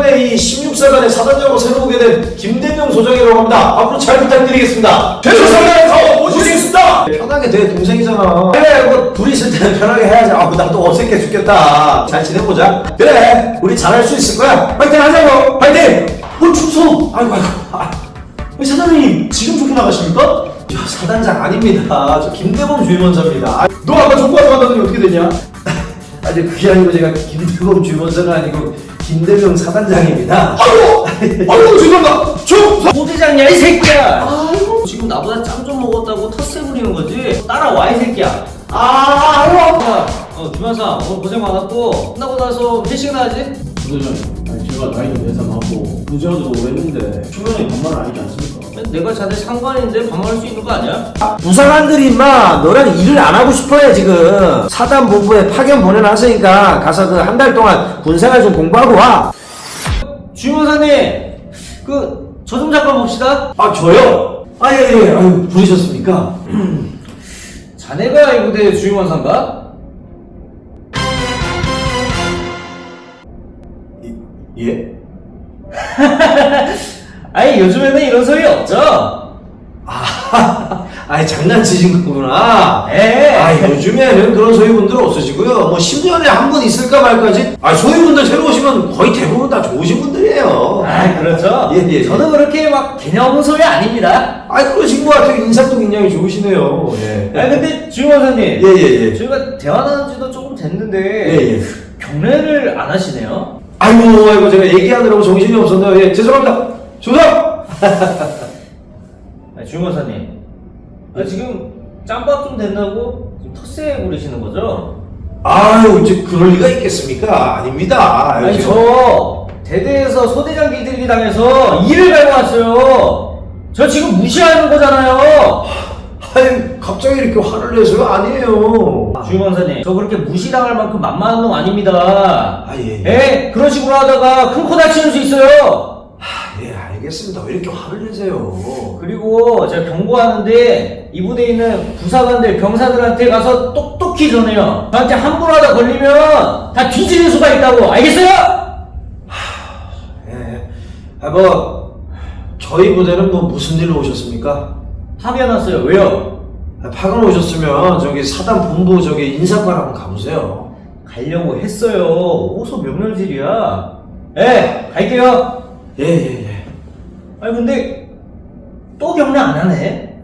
이번에 이 16사단의 사단장으로 새로 오게 된 김대명 소장이라고 합니다. 앞으로 잘 부탁드리겠습니다. 최소사단에서 모시겠습니다. 편하게 돼, 동생이잖아. 그래, 뭐 둘이 있을 때는 편하게 해야지. 아, 나도 어색해 죽겠다. 잘 지내보자. 그래, 우리 잘할 수 있을 거야. 파이팅 하자고. 파이팅. 충성! 아이고. 사장님 지금 쫓겨 나가십니까? 저 사단장 아닙니다. 저 김대범 주임원사입니다. 너 아까 족구하러 간다더니 어떻게 되냐? 아니 그게 아니고 제가 김대범 주임원사가 아니고 김대명 사단장입니다. 아이고 죄송합니다. 소대장이야 이 새끼야. 아이고 지금 나보다 짬 좀 먹었다고 텃세 부리는 거지. 따라와 이 새끼야. 아이고 주변사 오늘 고생 많았고 끝나고 나서 회식이나 하지? 부대장님, 제가 나이도 내삼하고 부자도 오랬는데 초면에 반말은 아니지 않습니까? 내가 자네 상관인데 반말할 수 있는 거 아니야? 부사관들이 임마 너랑 일을 안 하고 싶어해 지금. 사단 본부에 파견 보내놨으니까 가서 그 한 달 동안 군생활 좀 공부하고 와. 주임원사님 그 저 좀 잠깐 봅시다. 아 저요? 아예예. 아유 부르셨습니까? 자네가 이 부대 주임원사인가? 예? 아니 요즘에는 이런 소리 없죠? 아이 장난치신 거구나. 예. 아 요즘에는 그런 소위분들 없으시고요. 뭐 10년에 한 분 있을까 말까지. 아 소위분들 새로 오시면 거의 대부분 다 좋으신 분들이에요. 아 그렇죠. 예. 저도 그렇게 막 개념 없는 소리 아닙니다. 아 그러신 것 같아요. 인상도 굉장히 좋으시네요. 예. 아 근데 주임원사님 예. 저희가 대화 나눈 지도 조금 됐는데 예. 경례를 안 하시네요? 아이고 제가 얘기하느라고 정신이 없었네요. 예 죄송합니다. 조상. 주임원사님 지금 짬밥 좀 된다고 지금 텃세 부리시는 거죠? 아유 이제 그럴 리가 있겠습니까? 아닙니다. 아니 지금. 저 대대에서 소대장 길들이기 당해서 일을 갈고 왔어요. 저 지금 무시하는 거잖아요. 아니 갑자기 이렇게 화를 내서요? 아니에요. 주임원사님 저 그렇게 무시당할 만큼 만만한 놈 아닙니다. 예. 예? 그런 식으로 하다가 큰 코 다치는 수 있어요. 예 알겠습니다. 왜 이렇게 화를 내세요? 그리고 제가 경고하는데 이 부대에 있는 부사관들 병사들한테 가서 똑똑히 전해요. 저한테 함부로 하다 걸리면 다 뒤지는 수가 있다고. 알겠어요? 예. 뭐 저희 부대는 뭐 무슨 일로 오셨습니까? 파견 왔어요. 왜요? 파견 오셨으면 저기 사단 본부 저기 인사관 한번 가보세요. 가려고 했어요. 오소 명렬질이야. 예, 갈게요. 예. 아니 근데 또 경례 안 하네?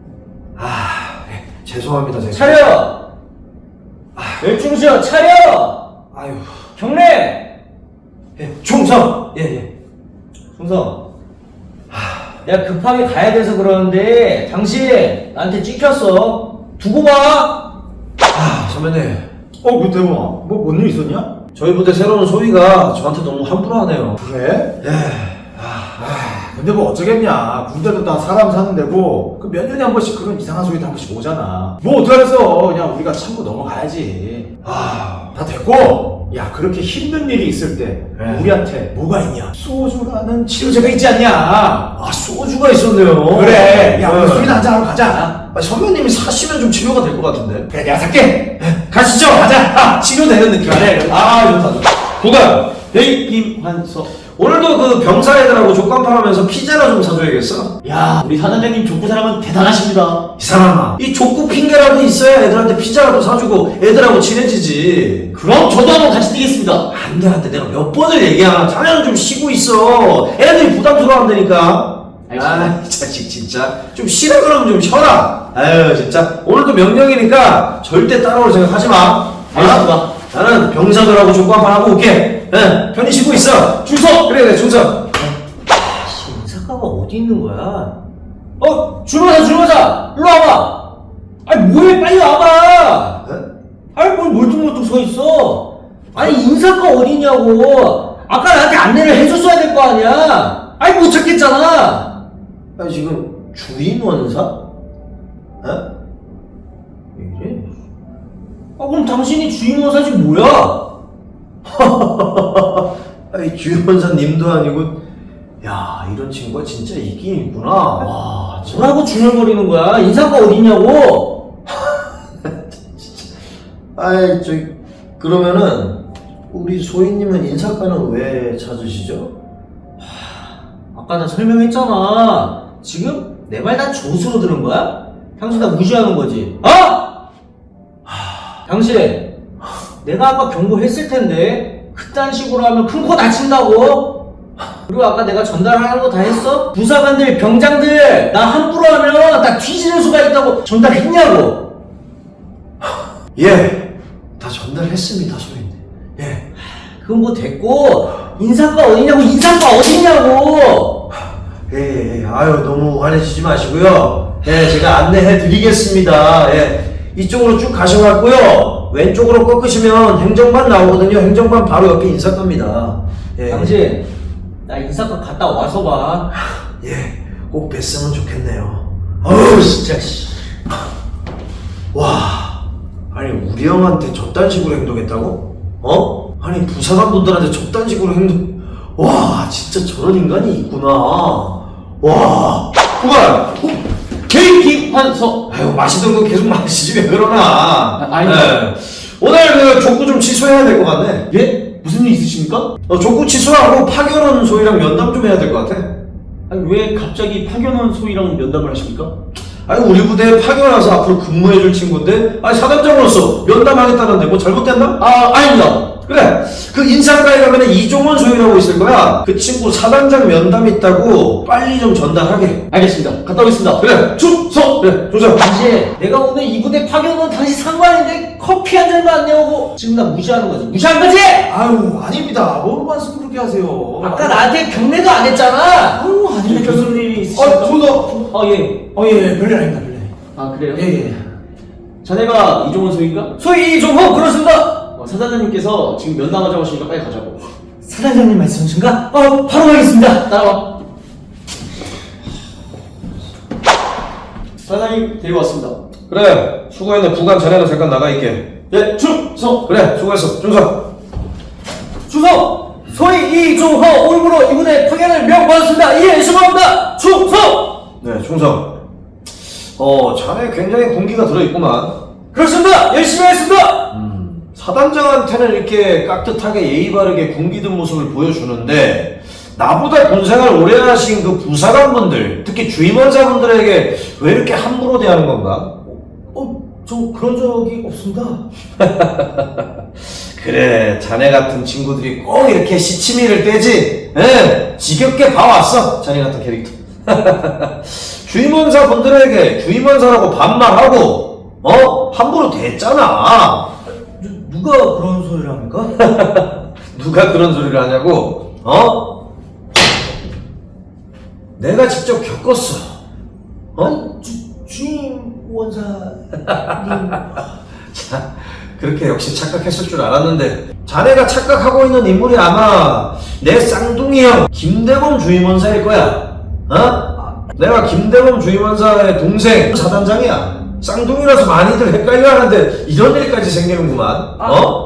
죄송합니다. 제가. 차려! 열중시여 차려! 아유. 경례! 예. 충성. 예. 충성 내가 급하게 가야 돼서 그러는데 당신 나한테 찍혔어. 두고 봐. 선배님. 그 대범아, 뭔 일 있었냐? 저희 부대 새로운 소위가 저한테 너무 함부로 하네요. 그래? 예. 근데 뭐 어쩌겠냐. 군대도 다 사람 사는 데고 그 몇 년에 한 번씩 그런 이상한 소리도 한 번씩 오잖아. 뭐 어떡하겠어. 그냥 우리가 참고 넘어가야지. 다 됐고, 야 그렇게 힘든 일이 있을 때 네. 우리한테 뭐가 있냐? 소주라는 치료제가 있지 않냐? 소주가 있었네요. 그래. 야 네. 우리 술이나 한잔하러 가자. 선배님이 사시면 좀 치료가 될 것 같은데. 그래 내가 살게. 가시죠. 가자. 치료되는 느낌. 그래. 좋다. 부관. 에이 김환서. 오늘도 그 병사 애들하고 족간판하면서 피자나 좀 사줘야겠어. 야 우리 사단장님 족구 사람은 대단하십니다. 이 사람아. 이 족구 핑계라도 있어야 애들한테 피자라도 사주고 애들하고 친해지지. 그럼 저도 한번 같이 뛰겠습니다. 안 돼. 내가 몇 번을 얘기하나. 자네는 좀 쉬고 있어. 애들이 부담스러워한다니까. 알겠습니다. 이 자식 진짜. 좀 쉬라 그러면 좀 쉬어라. 아유 진짜. 오늘도 명령이니까 절대 따라올 생각 하지 마. 알겠습니다. 나는 병사들하고 족간판하고 올게. 편히 쉬고 있어. 충성. 그래 충성. 인사과가 어디 있는 거야? 주임원사 일로 와봐. 아니 뭐해 빨리 와봐. 아니 뭘 멀뚱멀뚱 서 있어. 아니 인사과 어디냐고. 아까 나한테 안내를 해줬어야 될 거 아니야. 아니 못 찾겠잖아. 아니 지금 주임원사? 왜 이래? 그럼 당신이 주임원사지 뭐야? 아니 주임원사님도 아니고. 야 이런 친구가 진짜 있긴 있구나. 와 뭐라고 중얼거리는 거야? 인사과 어디냐고? 아이 그러면은 우리 소희님은 인사과는 왜 찾으시죠? 아까 나 설명했잖아. 지금 내 말 다 조수로 들은 거야? 당신 나 무시하는 거지? 어? 당신, 내가 아까 경고했을 텐데 그딴 식으로 하면 큰 코 다친다고? 그리고 아까 내가 전달하는 거 다 했어? 부사관들, 병장들 나 함부로 하면 나 뒤지는 수가 있다고 전달했냐고? 예, 다 전달했습니다, 소희님. 예. 그건 뭐 됐고 인사과 어디냐고, 인사과 어디냐고? 예, 아유, 너무 화내시지 마시고요. 예, 제가 안내해 드리겠습니다. 예, 이쪽으로 쭉 가셔갖고요. 왼쪽으로 꺾으시면 행정반 나오거든요. 행정반 바로 옆에 인사과입니다. 예. 당신, 나 인사과 갔다 와서 봐. 예, 꼭 뵀으면 좋겠네요. 어우, 진짜, 씨. 와, 아니, 우리 형한테 저딴 식으로 행동했다고? 어? 아니, 부사관분들한테 저딴 식으로 와, 진짜 저런 인간이 있구나. 와, 그만! 개인기환서. 아유, 마시던 거 계속 마시지 왜 그러나. 아니. 예. 오늘 그 족구 좀 취소해야 될 것 같네. 예? 무슨 일 있으십니까? 족구 취소하고 파견원 소희랑 면담 좀 해야 될 것 같아. 아니, 왜 갑자기 파견원 소희랑 면담을 하십니까? 아니, 우리 부대에 파견 와서 앞으로 근무해줄 친구인데, 아니, 사단장으로서 면담하겠다는데 뭐 잘못됐나? 아닙니다. 그래, 그 인사과에 가면은 이종원 소희라고 있을 거야. 그 친구 사단장 면담 있다고 빨리 좀 전달하게. 알겠습니다. 갔다 오겠습니다. 그래, 충성! 그래, 조정. 당신, 내가 오늘 이 부대 파견원 당신 상관인데 커피 한 잔도 안 내오고 지금 나 무시하는 거지? 무시한 거지? 아유, 아닙니다. 뭔 말씀 그렇게 하세요. 아까 나한테 경례도 안 했잖아. 아유, 아닙니다. 무슨 일이 있으십니까? 예. 예. 별일 아닙니다, 별일. 아, 그래요? 예. 자네가 이종원 소희인가? 소희 이종호, 그렇습니다. 사단장님께서 지금 면담하자고 하시니까 빨리 가자고. 사단장님 말씀이신가? 바로 가겠습니다. 따라와. 사단장님 데려왔습니다. 그래, 수고했네. 부관 자네는 잠깐 나가 있게. 네, 충성. 그래, 수고했어. 충성. 충성. 소희 이종호 오늘부로 이분의 파견을 명받았습니다. 예, 수고합니다. 충성. 네, 충성. 자네 굉장히 군기가 들어있구만. 그렇습니다. 열심히 하겠습니다. 사단장한테는 이렇게 깍듯하게 예의 바르게 군기든 모습을 보여주는데, 나보다 군생활 오래 하신 그 부사관분들, 특히 주임원사분들에게 왜 이렇게 함부로 대하는 건가? 저 그런 적이 없습니다. 그래, 자네 같은 친구들이 꼭 이렇게 시치미를 떼지. 예, 지겹게 봐왔어, 자네 같은 캐릭터. 주임원사 분들에게 주임원사라고 반말하고, 함부로 대했잖아. 누가 그런 소리를 합니까? 누가 그런 소리를 하냐고? 내가 직접 겪었어. 주임원사님. 자, 그렇게 역시 착각했을 줄 알았는데, 자네가 착각하고 있는 인물이 아마 내 쌍둥이 형 김대범 주임원사일 거야. 내가 김대범 주임원사의 동생 사단장이야. 쌍둥이라서 많이들 헷갈려 하는데 이런 일까지 생기는구만.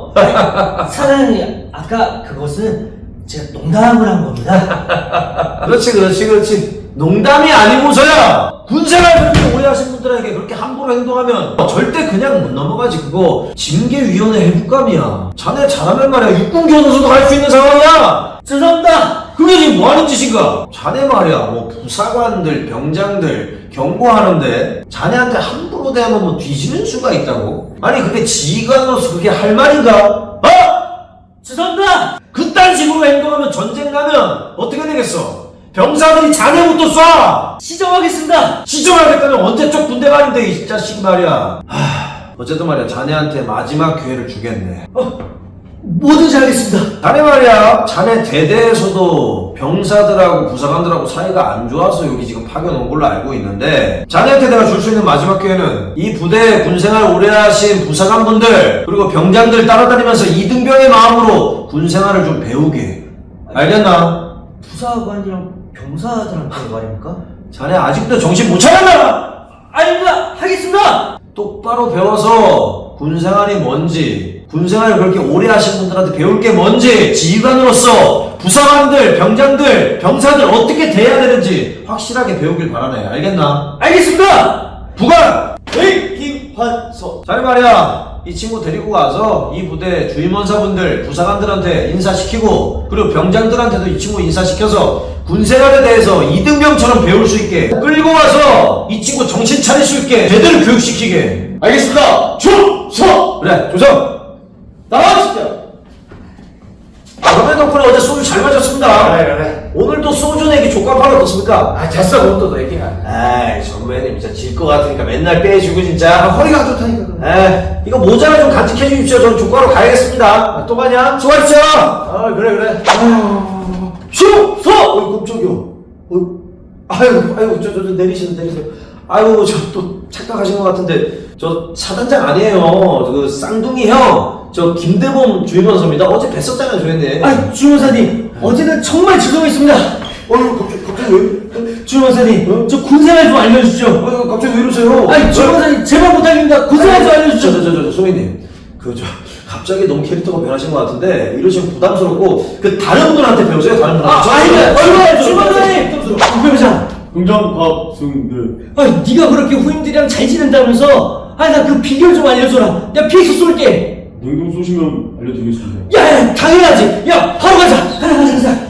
사장님, 아까 그것은 제가 농담을 한 겁니다. 그렇지. 농담이 아니고서야 군생활 그렇게 오래 하신 분들에게 그렇게 함부로 행동하면 절대 그냥 못 넘어가지. 그거 징계위원회 해부감이야. 자네 잘하면 말이야 육군교도소도 갈 수 있는 상황이야. 죄송합니다. 그게 지금 뭐 하는 짓인가? 자네 말이야 뭐 부사관들 병장들 경고하는데 자네한테 함부로 대하면 뭐 뒤지는 수가 있다고? 아니 그게 지휘관으로서 그게 할 말인가? 죄송합니다. 그딴 식으로 행동하면 전쟁 가면 어떻게 되겠어? 병사들이 자네부터 쏴! 시정하겠습니다. 시정하겠다는 언제적 군대 말인데 이 자식 말이야. 어쨌든 말이야 자네한테 마지막 기회를 주겠네. 뭐든지 하겠습니다. 자네 말이야 자네 대대에서도 병사들하고 부사관들하고 사이가 안 좋아서 여기 지금 파견 온 걸로 알고 있는데, 자네한테 내가 줄 수 있는 마지막 기회는 이 부대에 군생활 오래 하신 부사관분들 그리고 병장들 따라다니면서 이등병의 마음으로 군생활을 좀 배우게. 알겠나? 부사관이랑 병사들한테 말입니까? 자네 아직도 정신 못 차렸나? 아닙니다. 하겠습니다. 똑바로 배워서 군생활이 뭔지, 군생활을 그렇게 오래 하신 분들한테 배울 게 뭔지, 지휘관으로서 부사관들, 병장들, 병사들 어떻게 대해야 되는지 확실하게 배우길 바라네. 알겠나? 알겠습니다. 부관! 김환서. 자네 말이야 이 친구 데리고 가서 이 부대 주임원사분들, 부사관들한테 인사시키고 그리고 병장들한테도 이 친구 인사시켜서 군생활에 대해서 이등병처럼 배울 수 있게 끌고 가서 이 친구 정신 차릴 수 있게 제대로 교육시키게. 알겠습니다. 충성! 그래, 조성! 나와주십시오. 그러면 덕분에 어제 소주 잘 마셨습니다. 그래. 오늘도 소주 내기 족밥하러 어떻습니까? 아, 됐어, 그것도 너 얘기야. 아이, 선배님 진짜 질 것 같으니까 맨날 빼주고 진짜. 허리가 안 좋다니까. 에이, 이거 모자를 좀 간직해 주십시오. 저는 족가로 가야겠습니다. 아, 또 가냐? 수고하십시오. 그래. 충성! 어이, 깜짝이야. 아유, 저 내리세요. 아유, 저 또 착각하신 것 같은데, 저 사단장 아니에요. 그 쌍둥이 형, 저 김대범 주임원사입니다. 어제 뵀었잖아요, 저희는. 아, 주임원사님, 어제는 정말 죄송했습니다. 갑자기 왜? 주임원사님, 저 군생활 좀 알려주시죠. 아유, 갑자기 왜 이러세요? 아니, 주임원사님, 제발 부탁입니다. 군생활 좀 알려주시죠. 저, 소희님. 갑자기 너무 캐릭터가 변하신 것 같은데, 이러시면 부담스럽고, 다른 분한테 배우세요, 다른 분한테. 아니, 주임원사님! 부병장! 긍정 박승들 아니, 네가 그렇게 후임들이랑 잘 지낸다면서? 아니, 나 그 비결 좀 알려줘라. 내가 피해서 쏠게. 능동 쏘시면 알려드리겠습니다. 야, 당연하지. 야, 바로 가자. 가자.